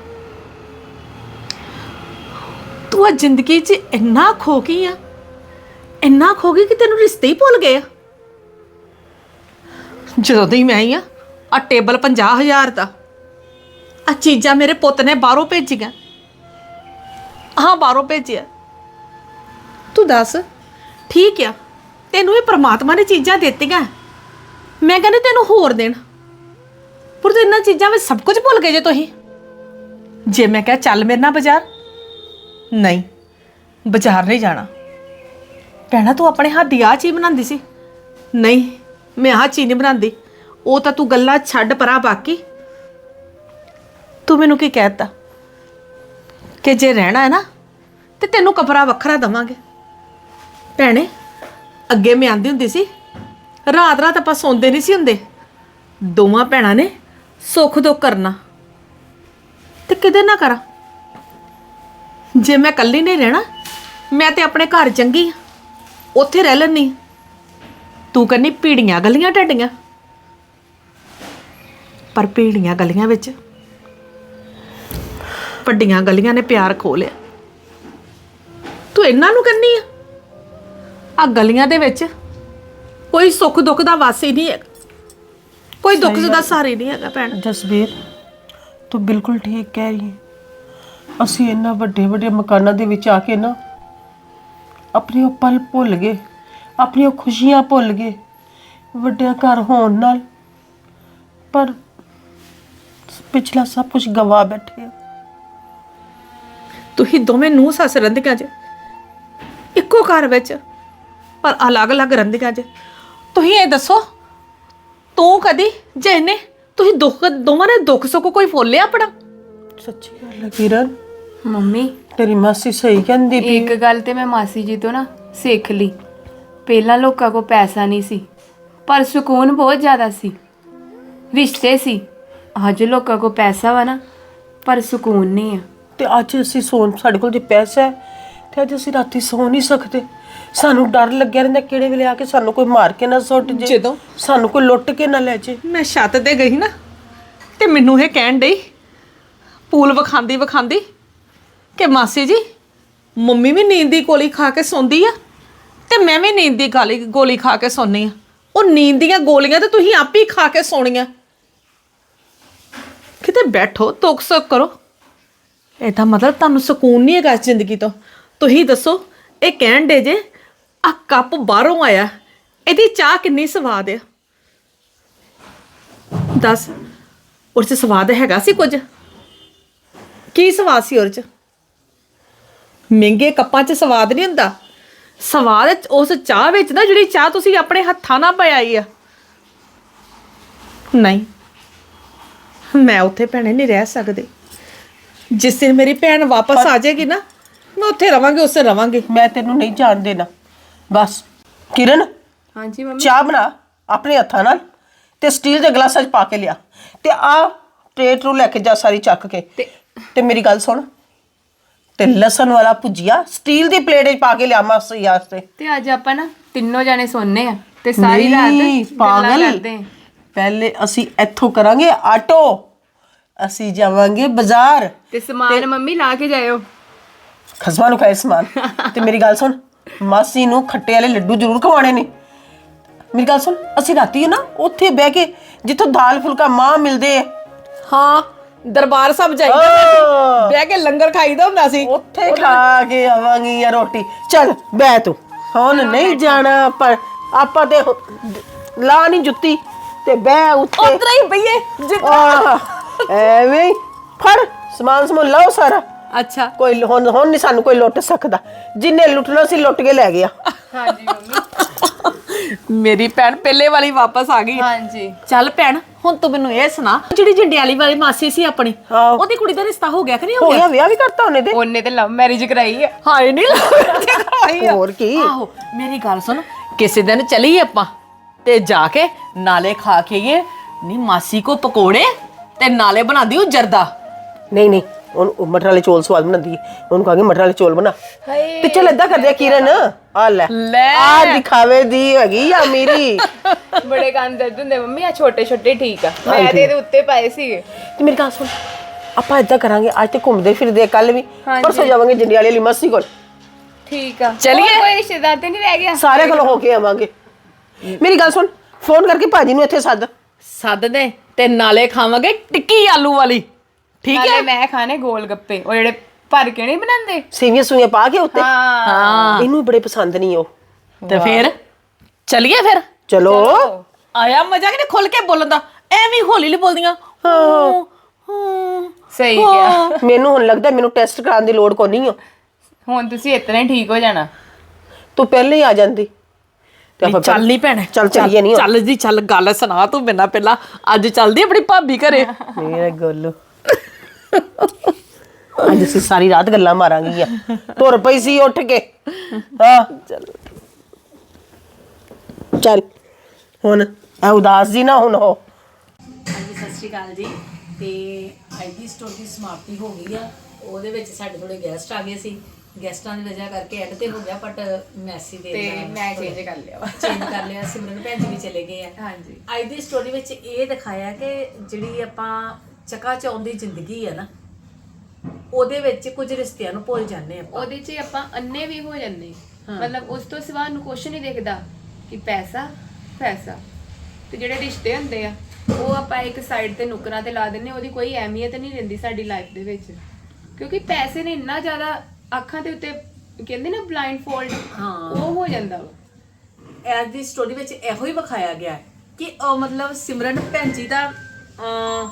S2: ਤੂੰ ਆ ਜ਼ਿੰਦਗੀ 'ਚ ਇੰਨਾ ਖੋ ਗਈ ਆ, ਇੰਨਾ ਖੋ ਗਈ ਕਿ ਤੈਨੂੰ ਰਿਸ਼ਤੇ ਹੀ ਭੁੱਲ ਗਏ ਆ। ਜਦੋਂ ਦੀ ਮੈਂ ਆਈ ਆ, ਆ ਟੇਬਲ ਪੰਜਾਹ ਹਜ਼ਾਰ ਦਾ, ਆ ਚੀਜ਼ਾਂ ਮੇਰੇ ਪੁੱਤ ਨੇ ਬਾਹਰੋਂ ਭੇਜੀਆਂ। ਹਾਂ, ਬਾਹਰੋਂ ਭੇਜਿਆ। ਤੂੰ ਦੱਸ, ਠੀਕ ਆ, ਤੈਨੂੰ ਇਹ ਪ੍ਰਮਾਤਮਾ ਨੇ ਚੀਜ਼ਾਂ ਦਿੱਤੀਆਂ, ਮੈਂ ਕਹਿੰਦੀ ਤੈਨੂੰ ਹੋਰ ਦੇਣ, ਪਰ ਤੂੰ ਇਹਨਾਂ ਚੀਜ਼ਾਂ ਵਿੱਚ ਸਭ ਕੁਝ ਭੁੱਲ ਗਏ ਜੇ ਤੁਸੀਂ। ਜੇ ਮੈਂ ਕਿਹਾ ਚੱਲ ਮੇਰੇ ਨਾਲ ਬਾਜ਼ਾਰ, ਨਹੀਂ, ਬਾਜ਼ਾਰ ਨਹੀਂ ਜਾਣਾ। ਭੈਣਾ, ਤੂੰ ਆਪਣੇ ਹੱਥ ਦੀ ਆਹ ਚੀਜ਼ ਬਣਾਉਂਦੀ ਸੀ, ਨਹੀਂ, ਮੈਂ ਆਹ ਚੀਜ਼ ਨਹੀਂ ਬਣਾਉਂਦੀ। ਉਹ ਤਾਂ ਤੂੰ ਗੱਲਾਂ ਛੱਡ ਪਰਾਂ। ਬਾਕੀ ਤੂੰ ਮੈਨੂੰ ਕੀ ਕਹਿਤਾ ਕਿ ਜੇ ਰਹਿਣਾ ਹੈ ਨਾ ਤੇ ਤੈਨੂੰ ਕਮਰਾ ਵੱਖਰਾ ਦੇਵਾਂਗੇ। ਭੈਣੇ, ਅੱਗੇ ਮੈਂ ਆਂਦੀ ਹੁੰਦੀ ਸੀ, ਰਾਤ ਰਾਤ ਆਪਾਂ ਸੌਂਦੇ ਨਹੀਂ ਸੀ ਹੁੰਦੇ, ਦੋਵਾਂ ਭੈਣਾਂ ਨੇ ਸੁੱਖ ਦੁੱਖ ਕਰਨਾ। ਤੇ ਕਿਤੇ ਨਾ ਕਰਾਂ, ਜੇ ਮੈਂ ਇਕੱਲੀ ਨਹੀਂ ਰਹਿਣਾ, ਮੈਂ ਤੇ ਆਪਣੇ ਘਰ ਚੰਗੀ ਆ, ਉੱਥੇ ਰਹਿ ਲੈਣੀ। ਤੂੰ ਕਹਿੰਦੀ ਭੀੜੀਆਂ ਗਲੀਆਂ ਢੱਡੀਆਂ, ਪਰ ਭੀੜੀਆਂ ਗਲੀਆਂ ਵਿੱਚ ਵੱਡੀਆਂ ਗਲੀਆਂ ਨੇ ਪਿਆਰ ਖੋ ਲਿਆ। ਤੂੰ ਇਹਨਾਂ ਨੂੰ ਕਹਿੰਦੀ ਆ, ਆ ਗਲੀਆਂ ਦੇ ਵਿੱਚ ਕੋਈ ਸੁੱਖ ਦੁੱਖ ਦਾ ਵਾਸੀ ਨਹੀਂ ਹੈ, ਕੋਈ ਦੁੱਖ ਦਾ ਸਹਾਰਾ ਨਹੀਂ ਹੈਗਾ। ਭੈਣ
S1: ਜਸਬੀਰ, ਤੂੰ ਬਿਲਕੁਲ ਠੀਕ ਕਹਿ ਰਹੀ ਹੈ। ਅਸੀਂ ਇੰਨਾ ਵੱਡੇ ਵੱਡੇ ਮਕਾਨਾਂ ਦੇ ਵਿੱਚ ਆ ਕੇ ਨਾ ਆਪਣੇ ਉਹ ਪਲ ਭੁੱਲ ਗਏ, ਆਪਣੀਆਂ ਖੁਸ਼ੀਆਂ ਭੁੱਲ ਗਏ ਵੱਡਿਆਂ ਘਰ ਹੋਣ ਨਾਲ, ਪਰ ਪਿਛਲਾ ਸਭ ਕੁਝ ਗਵਾ ਬੈਠੇ ਆ।
S2: ਤੁਸੀਂ ਦੋਵੇਂ ਨੂੰਹ ਸੱਸ ਰਹਿੰਦੀਆਂ ਜੇ ਇੱਕੋ ਘਰ ਵਿੱਚ, ਪਰ ਅਲੱਗ-ਅਲੱਗ ਰਹਿੰਦੀਆਂ ਜੇ। ਤੁਸੀਂ ਇਹ ਦੱਸੋ, ਤੂੰ ਕਦੀ ਜੇ ਇਹਨੇ ਤੁਸੀਂ ਦੁੱਖ ਦੋਵਾਂ ਨੇ ਦੁੱਖ ਸੁੱਖ ਕੋਈ ਫੋਲਿਆ ਆਪਣਾ?
S1: ਸੱਚੀ ਗੱਲ ਹੈ ਕਿਰਨ,
S3: ਮੰਮੀ
S1: ਤੇਰੀ ਮਾਸੀ ਸਹੀ ਕਹਿੰਦੀ ਪਈ।
S3: ਇੱਕ ਗੱਲ ਤੇ ਮੈਂ ਮਾਸੀ ਜੀ ਤੋਂ ਨਾ ਸਿੱਖ ਲਈ। ਪਹਿਲਾਂ ਲੋਕਾਂ ਕੋਲ ਪੈਸਾ ਨਹੀਂ ਸੀ, ਪਰ ਸਕੂਨ ਬਹੁਤ ਜ਼ਿਆਦਾ ਸੀ, ਰਿਸ਼ਤੇ ਸੀ। ਅੱਜ ਲੋਕਾਂ ਕੋਲ ਪੈਸਾ ਵਾ ਨਾ, ਪਰ ਸਕੂਨ ਨਹੀਂ ਆ।
S1: ਤੇ ਅੱਜ ਅਸੀਂ ਸੌਣ, ਸਾਡੇ ਕੋਲ ਜੇ ਪੈਸਾ ਹੈ ਤੇ ਅੱਜ ਅਸੀਂ ਰਾਤੀ ਸੌ ਨਹੀਂ ਸਕਦੇ। ਸਾਨੂੰ ਡਰ ਲੱਗਿਆ ਰਹਿੰਦਾ ਕਿਹੜੇ ਵੇਲੇ ਆ ਕੇ ਸਾਨੂੰ ਕੋਈ ਮਾਰ ਕੇ ਨਾ ਸੁੱਟ ਜੇ,
S2: ਜਦੋਂ
S1: ਸਾਨੂੰ ਕੋਈ ਲੁੱਟ ਕੇ ਨਾ ਲੈ ਜੇ।
S2: ਮੈਂ ਛੱਤ ਤੇ ਗਈ ਨਾ, ਤੇ ਮੈਨੂੰ ਇਹ ਕਹਿਣ ਡਈ, ਪੂਲ ਵਿਖਾਂਦੀ ਵਿਖਾਂਦੀ, ਕਿ ਮਾਸੀ ਜੀ, ਮੰਮੀ ਵੀ ਨੀਂਦ ਦੀ ਗੋਲੀ ਖਾ ਕੇ ਸੌਂਦੀ ਆ ਤੇ ਮੈਂ ਵੀ ਨੀਂਦ ਦੀ ਗਾਲੀ ਗੋਲੀ ਖਾ ਕੇ ਸੌਂਦੀ ਆ। ਉਹ ਨੀਂਦ ਦੀਆਂ ਗੋਲੀਆਂ ਤੇ ਤੁਸੀਂ ਆਪ ਹੀ ਖਾ ਕੇ ਸੌਣੀਆਂ। ਕਿਤੇ ਬੈਠੋ, ਦੁੱਖ ਸੁੱਖ ਕਰੋ। ਇਹਦਾ ਮਤਲਬ ਤੁਹਾਨੂੰ ਸਕੂਨ ਨਹੀਂ ਹੈਗਾ ਇਸ ਜ਼ਿੰਦਗੀ ਤੋਂ। ਤੁਸੀਂ ਦੱਸੋ, ਇਹ ਕਹਿਣ ਡੇ ਜੇ ਆ ਕੱਪ ਬਾਹਰੋਂ ਆਇਆ, ਇਹਦੀ ਚਾਹ ਕਿੰਨੀ ਸਵਾਦ ਆ? ਦੱਸ, ਉਹ 'ਚ ਸਵਾਦ ਹੈਗਾ ਸੀ ਕੁਝ? ਕੀ ਸਵਾਦ ਸੀ ਉਹ 'ਚ? ਮਹਿੰਗੇ ਕੱਪਾਂ 'ਚ ਸਵਾਦ ਨਹੀਂ ਹੁੰਦਾ। ਸਵਾਦ ਉਸ ਚਾਹ ਵਿੱਚ ਨਾ, ਜਿਹੜੀ ਚਾਹ ਤੁਸੀਂ ਆਪਣੇ ਹੱਥਾਂ ਨਾਲ ਪਿਆਈ ਆ। ਨਹੀਂ, ਮੈਂ ਉੱਥੇ ਭੈਣੇ ਨਹੀਂ ਰਹਿ ਸਕਦੀ। ਜਿਸ ਦਿਨ ਮੇਰੀ ਭੈਣ ਵਾਪਸ ਆ ਜਾਏਗੀ ਨਾ, ਮੈਂ ਉੱਥੇ ਰਵਾਂਗੀ, ਉਸੇ ਰਵਾਂਗੀ।
S1: ਮੈਂ ਤੈਨੂੰ ਨਹੀਂ ਜਾਣ ਦੇਣਾ। ਬਸ ਕਿਰਨ,
S3: ਹਾਂਜੀ ਮੰਮੀ।
S1: ਚਾਹ ਬਣਾ ਆਪਣੇ ਹੱਥਾਂ ਨਾਲ ਤੇ ਸਟੀਲ ਦੇ ਗਲਾਸਾਂ 'ਚ ਪਾ ਕੇ ਲਿਆ, ਤੇ ਆ ਟਰੇ ਟਰੂ ਲੈ ਕੇ ਜਾ ਸਾਰੀ ਚੱਕ ਕੇ।
S3: ਤੇ
S1: ਤੇ ਮੇਰੀ ਗੱਲ ਸੁਣ, ਤੇ ਲਸਣ ਵਾਲਾ ਭੁਜੀਆ ਸਟੀਲ ਦੀ ਪਲੇਟ 'ਚ ਪਾ ਕੇ ਲਿਆ ਮਾਸੀ ਵਾਸਤੇ।
S3: ਤੇ ਅੱਜ ਆਪਾਂ ਨਾ ਤਿੰਨੋਂ ਜਾਣੇ ਸੌਂਨੇ ਆ ਤੇ ਸਾਰੀ
S1: ਨਹੀਂ,
S3: ਰਾਤ
S1: ਪਾਗਲ,
S3: ਗੱਲਾਂ ਕਰਦੇ ਆ।
S1: ਪਹਿਲੇ ਅਸੀਂ ਇੱਥੋਂ ਕਰਾਂਗੇ ਆਟੋ, ਅਸੀਂ ਜਾਵਾਂਗੇ ਬਾਜ਼ਾਰ,
S3: ਤੇ ਸਮਾਨ ਮੰਮੀ ਲਾ ਕੇ ਜਾਇਓ।
S1: ਖਸਮਾਂ ਨੂੰ ਖਾਏ ਸਮਾਨ। ਤੇ ਮੇਰੀ ਗੱਲ ਸੁਣ, ਮਾਸੀ ਨੂੰ ਖੱਟੇ ਵਾਲੇ ਲੱਡੂ ਜ਼ਰੂਰ ਖਵਾਣੇ ਨੇ। ਮੇਰੀ ਗੱਲ ਸੁਣ, ਅਸੀਂ ਰਾਤੀ ਨਾ ਉੱਥੇ ਬਹਿ ਕੇ, ਜਿੱਥੋਂ ਦਾਲ ਫੁਲਕਾ ਮਾਂ ਮਿਲਦੇ ਆ,
S2: ਹਾਂ, ਦਰਬਾਰ ਸਾਹਿਬ ਜਾਈਦਾ ਹੁੰਦਾ ਸੀ, ਬਹਿ ਕੇ ਲੰਗਰ ਖਾਈਦਾ ਹੁੰਦਾ ਸੀ,
S1: ਉੱਥੇ ਖਾ ਕੇ ਆਵਾਂਗੀ ਯਾ ਰੋਟੀ। ਚੱਲ ਬਹਿ ਤੂੰ, ਹੁਣ ਨਹੀਂ ਜਾਣਾ, ਪਰ ਆਪਾਂ ਤੇ ਲਾ ਨਹੀਂ ਜੁੱਤੀ ਤੇ ਬਹਿ ਉੱਥੇ।
S2: ਉਤਰਾ ਹੀ ਪਈਏ
S1: ਆਹ, ਐਵੇਂ ਹੀ ਫੜ ਸਮਾਨ ਸਮੂਨ ਲਓ ਸਾਰਾ।
S2: ਅੱਛਾ,
S1: ਕੋਈ ਹੁਣ ਹੁਣ ਨਹੀਂ ਸਾਨੂੰ ਕੋਈ ਲੁੱਟ ਸਕਦਾ। ਜਿੰਨੇ ਲੁੱਟਣਾ ਸੀ ਲੁੱਟ ਕੇ ਲੈ ਗਿਆ।
S3: ਹਾਂਜੀ ਮੰਮੀ।
S2: ਮੇਰੀ ਭੈਣ ਪਹਿਲੇ ਵਾਲੀ ਵਾਪਸ ਆ ਗਈ।
S3: ਹਾਂਜੀ
S2: ਚੱਲ ਭੈਣ ਹੁਣ ਤੂੰ ਮੈਨੂੰ ਇਹ ਸੁਣਾ, ਜਿਹੜੀ ਜੰਡਿਆਲੀ ਵਾਲੀ ਮਾਸੀ ਸੀ ਆਪਣੀ,
S1: ਹਾਂ।
S2: ਉਹਦੀ ਕੁੜੀ ਦਾ ਰਿਸ਼ਤਾ ਹੋ ਗਿਆ ਕਿ ਨਹੀਂ ਹੋ
S1: ਹੋ
S2: ਗਿਆ?
S1: ਗਿਆ, ਵਿਆਹ ਵੀ ਕਰਤਾ ਉਹਨੇ ਤੇ।
S3: ਉਹਨੇ ਤੇ ਲਵ ਮੈਰਿਜ ਕਰਾਈ ਹੈ।
S2: ਹਾਏ ਨਹੀਂ ਲੱਗਦੀ।
S1: ਹੋਰ ਕੀ।
S2: ਆਹੋ ਮੇਰੀ ਗੱਲ ਸੁਣ, ਕਿਸੇ ਦਿਨ ਚਲੀਏ ਆਪਾਂ ਤੇ ਜਾ ਕੇ ਨਾਲੇ ਖਾ ਕੇ ਆਈਏ ਨਹੀਂ ਮਾਸੀ ਕੋ ਪਕੌੜੇ ਤੇ ਨਾਲੇ ਬਣਾ ਦਿਓ ਜਰਦਾ।
S1: ਨਹੀਂ ਨਹੀਂ, ਉਹਨੂੰ ਮਟਰ ਵਾਲੇ ਚੌਲ ਸਵਾਦ ਬਣਾਉਂਦੀ ਹੈ, ਉਹਨੂੰ ਕਹਾਂਗੇ ਮਟਰ ਵਾਲੇ ਚੌਲ ਬਣਾ। ਤੇ ਚੱਲ ਏਦਾਂ ਕਰਦੇ ਆ ਕਿਰਨ, ਆ ਲੈ
S2: ਲੈ।
S1: ਆ ਦਿਖਾਵੇ ਦੀ ਹੈਗੀ ਆ ਮੇਰੀ।
S3: ਬੜੇ ਕੰਨ ਦਰਦ ਹੁੰਦੇ ਮੰਮੀ, ਆ ਛੋਟੇ ਛੋਟੇ ਠੀਕ ਆ, ਮੈਂ ਤੇ ਇਹਦੇ ਉੱਤੇ ਪਾਏ ਸੀਗੇ।
S1: ਤੇ ਮੇਰੀ ਗੱਲ ਸੁਣ, ਆਪਾਂ ਏਦਾਂ ਕਰਾਂਗੇ, ਅੱਜ ਤੇ ਘੁੰਮਦੇ ਫਿਰਦੇ ਕੱਲ ਵੀ,
S3: ਹਾਂਜੀ।
S1: ਪਰਸੋਂ ਜਾਵਾਂਗੇ ਜੰਡਿਆਲੇ ਵਾਲੀ ਮਾਸੀ ਕੋਲ।
S3: ਠੀਕ ਆ,
S2: ਚਲੀਏ।
S3: ਹੋਰ ਕੋਈ ਰਿਸ਼ਤੇਦਾਰ ਤੇ ਨਹੀਂ ਰਹਿ ਗਿਆ?
S1: ਸਾਰੇ ਕੋਲ ਹੋ ਕੇ ਆਵਾਂਗੇ। ਮੇਰੀ ਗੱਲ ਸੁਣ, ਫੋਨ ਕਰਕੇ ਭਾਜੀ ਨੂੰ ਇੱਥੇ ਸੱਦ।
S2: ਸੱਦ ਦੇ ਤੇ ਨਾਲੇ ਖਾਵਾਂਗੇ ਟਿੱਕੀ ਆਲੂ ਵਾਲੀ, ਠੀਕ
S3: ਨਾਲੇ
S2: ਹੈ?
S3: ਮੈਂ ਖਾਣੇ ਗੋਲ ਗੱਪੇ, ਉਹ ਜਿਹੜੇ ਭਰ ਕੇ ਨਹੀਂ ਬਣਾਉਂਦੇ।
S1: ਸੇਵੀਆਂ ਸੂਈਆਂ ਪਾ ਕੇ ਉੱਤੇ।
S3: ਹਾਂ
S2: ਹਾਂ
S1: ਇਹਨੂੰ ਬੜੇ ਪਸੰਦ ਨਹੀਂ ਉਹ।
S2: ਤੇ ਫਿਰ ਚਲੀਏ ਫਿਰ।
S1: ਚਲੋ
S2: ਆਇਆ ਮਜ਼ਾ ਕਿ ਨਹੀਂ ਖੁੱਲ ਕੇ ਬੋਲਣ ਦਾ, ਐਵੇਂ ਹੌਲੀ ਹੌਲੀ ਬੋਲਦੀਆਂ। ਹਾਂ ਹਾਂ
S3: ਸਹੀ ਕਿਹਾ।
S1: ਮੈਨੂੰ ਹੁਣ ਲੱਗਦਾ ਮੈਨੂੰ ਟੈਸਟ ਕਰਾਉਣ ਦੀ ਲੋੜ ਕੋਈ ਨਹੀਂ ਆ।
S3: ਹੁਣ ਤੁਸੀਂ ਇਤਨਾ ਹੀ ਠੀਕ ਹੋ ਜਾਣਾ।
S1: ਤੂੰ ਪਹਿਲੇ ਹੀ ਆ ਜਾਂਦੀ ਤੇ ਆਪਾਂ
S2: ਚੱਲ ਨਹੀਂ ਭੈਣੇ,
S1: ਚੱਲ ਚੱਲੀਏ ਨਹੀਂ
S2: ਚੱਲ ਜੀ ਚੱਲ, ਗੱਲ ਸੁਣਾ ਤੂੰ ਮੈਨਾਂ ਪਹਿਲਾਂ। ਅੱਜ ਚੱਲਦੀ ਆਪਣੀ ਭਾਬੀ ਘਰੇ।
S1: ਮੇਰੇ ਗੋਲੂ, ਅੱਜ ਅਸੀਂ ਸਾਰੀ ਰਾਤ ਗੱਲਾਂ ਮਾਰਾਂਗੀਆਂ। ਤੁਰ ਪਈ ਸੀ ਉੱਠ ਕੇ। ਹਾਂ ਚੱਲ ਚੱਲ ਹੁਣ ਆ ਉਦਾਸ ਜੀ ਨਾ ਹੁਣ ਹੋ।
S2: ਹਾਂਜੀ ਸਤਿ ਸ਼੍ਰੀ ਅਕਾਲ ਜੀ। ਤੇ ਅੱਜ ਦੀ ਸਟੋਰੀ ਦੀ ਸਮਾਪਤੀ ਹੋ ਗਈ ਆ। ਉਹਦੇ ਵਿੱਚ ਸਾਡੇ ਥੋੜੇ ਗੈਸਟ ਆ ਗਏ ਸੀ, ਗੈਸਟਾਂ ਦੀ ਵਜ੍ਹਾ ਕਰਕੇ ਐਡ ਤੇ ਹੋ ਗਿਆ, ਬਟ ਮੈਸੀ ਦੇ
S3: ਤੇ ਮੈਂ ਚੇਂਜ ਕਰ ਲਿਆ ਵਾ।
S2: ਚੇਂਜ ਕਰ ਲਿਆ। ਸਿਮਰਨ ਭੈਣ ਜੀ ਵੀ ਚਲੇ ਗਏ ਆ।
S3: ਹਾਂਜੀ।
S2: ਅੱਜ ਦੀ ਸਟੋਰੀ ਵਿੱਚ ਇਹ ਦਿਖਾਇਆ ਕਿ ਜਿਹੜੀ ਆਪਾਂ ਚਕਾ ਚੌਂਦ ਦੀ ਜ਼ਿੰਦਗੀ ਹੈ ਨਾ, ਉਹਦੇ ਵਿੱਚ ਕੁਝ ਰਿਸ਼ਤਿਆਂ ਨੂੰ ਭੁੱਲ ਜਾਂਦੇ ਆਪਾਂ।
S3: ਉਹਦੇ 'ਚ ਆਪਾਂ ਅੰਨੇ ਵੀ ਹੋ ਜਾਂਦੇ, ਮਤਲਬ ਉਸ ਤੋਂ ਸਿਵਾ ਨੂੰ ਕੁਛ ਨਹੀਂ ਦਿਖਦਾ ਕਿ ਪੈਸਾ ਪੈਸਾ। ਤੇ ਜਿਹੜੇ ਰਿਸ਼ਤੇ ਹੁੰਦੇ ਆ ਉਹ ਆਪਾਂ ਇੱਕ ਸਾਈਡ ਤੇ ਨੁਕਰਾਂ ਤੇ ਲਾ ਦਿੰਨੇ, ਉਹਦੀ ਕੋਈ ਅਹਿਮੀਅਤ ਨਹੀਂ ਰਹਿੰਦੀ ਸਾਡੀ ਲਾਈਫ ਦੇ ਵਿੱਚ, ਕਿਉਂਕਿ ਪੈਸੇ ਨੇ ਇੰਨਾ ਜ਼ਿਆਦਾ ਅੱਖਾਂ ਦੇ ਉੱਤੇ ਕਹਿੰਦੇ ਨਾ ਬਲਾਈਂਡ ਫੋਲਡ,
S2: ਹਾਂ।
S3: ਉਹ ਹੋ ਜਾਂਦਾ ਵਾ।
S2: ਅੱਜ ਦੀ ਸਟੋਰੀ ਵਿੱਚ ਇਹੋ ਹੀ ਵਿਖਾਇਆ ਗਿਆ ਹੈ ਕਿ ਉਹ ਮਤਲਬ ਸਿਮਰਨ ਭੈਣ ਜੀ ਦਾ ਅਹ,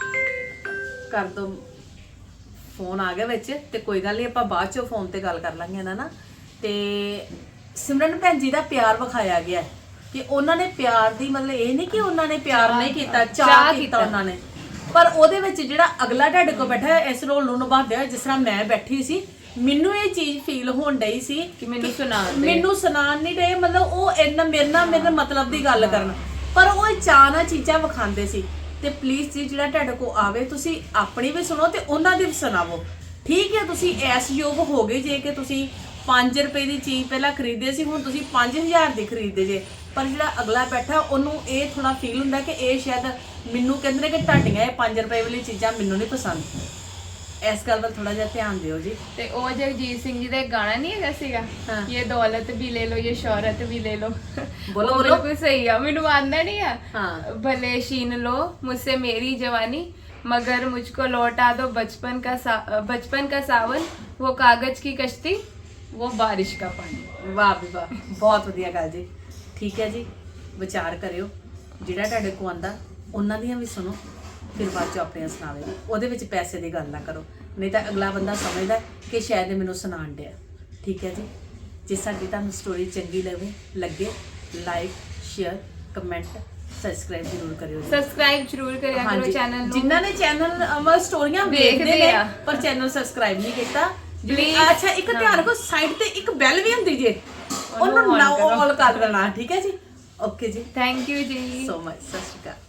S2: ਕਰ ਦੋ ਫੋਨ ਆ ਗਿਆ ਵਿੱਚ, ਤੇ ਕੋਈ ਗੱਲ ਨਹੀਂ ਆਪਾਂ ਬਾਅਦ ਚੋਂ ਫੋਨ ਤੇ ਗੱਲ ਕਰ ਲਾਂਗੇ ਇਹਨਾਂ ਨਾਲ। ਤੇ ਸਿਮਰਨ ਭੈਣ ਜੀ ਦਾ ਪਿਆਰ ਵਿਖਾਇਆ ਗਿਆ ਹੈ ਕਿ ਉਹਨਾਂ ਨੇ ਪਿਆਰ ਦੀ ਮਤਲਬ ਇਹ ਨਹੀਂ ਕਿ ਉਹਨਾਂ ਨੇ ਪਿਆਰ ਨਹੀਂ ਕੀਤਾ, ਚਾਹ ਕੀਤਾ ਉਹਨਾਂ ਨੇ, ਪਰ ਉਹਦੇ ਵਿੱਚ ਜਿਹੜਾ ਅਗਲਾ ਢੱਡ ਕੋ ਬੈਠਾ ਹੈ ਇਸ ਰੋਲ ਨੂੰ ਨਿਭਾਉਂਦੇ ਹੋਏ, ਜਿਸ ਤਰ੍ਹਾਂ ਮੈਂ ਬੈਠੀ ਸੀ, ਮੈਨੂੰ ਇਹ ਚੀਜ਼ ਫੀਲ ਹੋਣ ਡਈ ਸੀ
S3: ਕਿ ਮੈਨੂੰ ਸੁਣਾਉਣ ਦੇ।
S2: ਮੈਨੂੰ ਸੁਣਾਉਣ ਨਹੀਂ ਰਹੇ, ਮਤਲਬ ਉਹ ਇੰਨਾ ਮੇਰੇ ਨਾਲ ਮੇਰੇ ਮਤਲਬ ਦੀ ਗੱਲ ਕਰਨ, ਪਰ ਉਹ ਚਾਅ ਨਾਲ ਚੀਜ਼ਾਂ ਵਿਖਾਉਂਦੇ ਸੀ। ਤੇ ਪਲੀਜ਼ ਜੀ ਜਿਹੜਾ ਢੱਡ ਕੋ ਆਵੇ, ਤੁਸੀਂ ਆਪਣੀ ਵੀ ਸੁਣੋ ਤੇ ਉਹਨਾਂ ਦੀ ਵੀ ਸੁਣਾਵੋ। ਠੀਕ ਹੈ, ਤੁਸੀਂ ਐਸ ਯੋਗ ਹੋ ਗਏ ਜੇ ਕਿ ਤੁਸੀਂ ਪੰਜ ਰੁਪਏ ਦੀ ਚੀਜ਼ ਪਹਿਲਾਂ ਖਰੀਦਦੇ ਸੀ, ਹੁਣ ਤੁਸੀਂ ਪੰਜ ਹਜ਼ਾਰ ਦੀ ਖਰੀਦਦੇ ਜੇ, ਪਰ ਜਿਹੜਾ ਅਗਲਾ ਬੈਠਾ ਉਹਨੂੰ ਇਹ ਥੋੜਾ ਫੀਲ ਹੁੰਦਾ ਕਿ ਇਹ ਸ਼ਾਇਦ ਮੈਨੂੰ ਕਹਿੰਦੇ ਨੇ ਕਿ ਤੁਹਾਡੀਆਂ ਇਹ ਪੰਜ ਰੁਪਏ ਵਾਲੀ ਚੀਜ਼ਾਂ ਮੈਨੂੰ ਨਹੀਂ ਪਸੰਦ। ਇਸ ਗੱਲ ਵੱਲ ਥੋੜਾ ਜਿਹਾ ਧਿਆਨ ਦਿਓ ਜੀ।
S3: ਤੇ ਉਹ ਜਗਜੀਤ ਸਿੰਘ ਜੀ ਦਾ ਇੱਕ ਗਾਣਾ ਨਹੀਂ ਹੈਗਾ ਸੀਗਾ, ਇਹ ਦੌਲਤ ਵੀ ਲੈ ਲੋ, ਇਹ ਸ਼ੌਹਰਤ ਵੀ ਲੈ ਲੋ।
S2: ਬੋਲੋ,
S3: ਉਹ
S2: ਬੋਲੋ।
S3: ਬਿਲਕੁਲ ਸਹੀ ਆ, ਮੈਨੂੰ ਆਉਂਦਾ ਨਹੀਂ ਆ।
S2: हाँ।
S3: भले छीन लो मुझसे मेरी जवानी, मगर मुझको लौटा दो बचपन का सा, बचपन का सावन, वो कागज की कश्ती, वो बारिश का पानी।
S2: ਵਾਹ ਵੀ ਵਾਹ, ਬਹੁਤ ਵਧੀਆ ਗੱਲ ਜੀ। ਠੀਕ ਹੈ ਜੀ, ਵਿਚਾਰ ਕਰਿਓ, ਜਿਹੜਾ ਤੁਹਾਡੇ ਕੋ ਆਂਦਾ ਉਹਨਾਂ ਦੀਆਂ ਵੀ ਸੁਣੋ, ਫਿਰ ਬਾਅਦ ਚ ਆਪਣੀਆਂ ਸੁਣਾਵੇ। ਉਹਦੇ ਵਿੱਚ ਪੈਸੇ ਦੀ ਗੱਲ ਨਾ ਕਰੋ, ਨਹੀਂ ਤਾਂ ਅਗਲਾ ਬੰਦਾ ਸਮਝਦਾ ਕਿ ਸ਼ਾਇਦ ਇਹ ਮੈਨੂੰ ਸੁਣਾਉਣ ਡਿਆ। ਠੀਕ ਹੈ ਜੀ, ਜੇ ਸਾਡੀ ਤੁਹਾਨੂੰ ਸਟੋਰੀ ਚੰਗੀ ਲੱਗੇ ਲੱਗੇ ਲਾਈਕ ਸ਼ੇਅਰ ਕਮੈਂਟ ਸਬਸਕ੍ਰਾਈਬ ਜ਼ਰੂਰ ਕਰਿਓ ਜੀ।
S3: सब्सक्राइब जरूर करिया करो चैनल ਨੂੰ।
S2: ਜਿਨ੍ਹਾਂ ਨੇ ਚੈਨਲ ਅਮਰ ਸਟੋਰੀਆਂ ਵੇਖਦੇ
S3: ਵੇਖਦੇ
S2: ਨੇ
S3: ਆ।
S2: ਪਰ ਚੈਨਲ ਸਬਸਕ੍ਰਾਈਬ ਨਹੀਂ ਕੀਤਾ,
S3: Please,
S2: ਅੱਛਾ ਇੱਕ ਧਿਆਨ ਰੱਖੋ, ਸਾਈਡ ਤੇ ਇੱਕ ਬੈਲ ਵੀ ਹੁੰਦੀ ਜੇ, ਉਹਨੂੰ
S3: on
S2: ਨਾ
S3: ਕਰੋ।
S2: ਆਲ ਕਰ ਦੇਣਾ। ਠੀਕ ਹੈ ਜੀ, ਓਕੇ ਜੀ,
S3: थैंक यू जी।
S2: ਸੋ ਮਚ, ਸਤਿ ਸ਼੍ਰੀ ਅਕਾਲ।